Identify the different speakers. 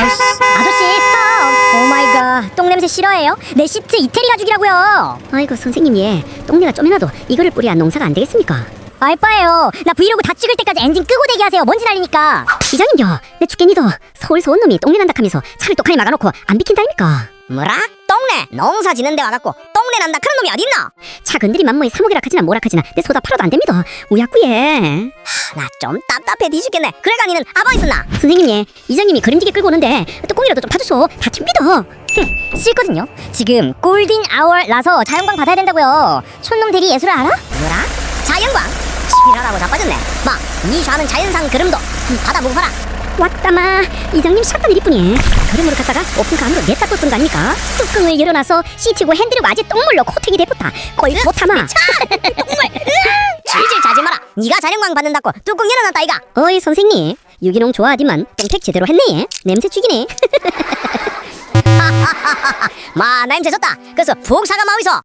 Speaker 1: 아저씨 스톱. 오마이갓, 똥냄새 싫어해요? 내 시트 이태리 가죽이라고요.
Speaker 2: 아이고 선생님, 예, 똥내가 좀이라도 이거를 뿌려야 농사가 안 되겠습니까?
Speaker 1: 알바예요. 나 브이로그 다 찍을 때까지 엔진 끄고 대기하세요. 먼지 날리니까.
Speaker 2: 이장님요, 내 죽겠니도 서울서 온 놈이 똥내 난다 하면서 차를 똑하니 막아놓고 안 비킨다니까.
Speaker 1: 뭐라? 똥내? 농사 지는데 와갖고 똥내 난다 그런 놈이 어딨나?
Speaker 2: 차 건드리 만모에 사목이라 하지나 뭐라 하지나 내 소다 팔아도 안 됩니다. 우야꾸예.
Speaker 1: 나 좀 답답해 뒤죽겠네. 그래가 니는 아버 있었나?
Speaker 2: 선생님, 예, 이장님이 그림지게 끌고 오는데 뚜껑이라도 좀 파주소. 다 튑니다.
Speaker 1: 싫거든요. 지금 골든 아워라서 자연광 받아야 된다고요. 촌놈 대리 예술을 알아? 뭐라? 자연광? 지랄하고 자빠졌네. 니 좌는 자연상 그름도 받아보고 봐라.
Speaker 2: 왔다마, 이장님 샷단 일뿐이 그림으로 갔다가 오픈카 안으로 냈다 떴던 거 아닙니까? 뚜껑을 열어놔서 시치고 핸들을 아재 똥물로 코팅이 돼붙다. 거의 못하마.
Speaker 1: 똥물. 질질 자지 마라. 니가 자연광 받는다고 뚜껑 열어놨다 이가.
Speaker 2: 어이 선생님, 유기농 좋아하디만 똥팩 제대로 했네. 냄새 죽이네.
Speaker 1: 마 냄새 좋다. 그래서 푹 사가 마위소.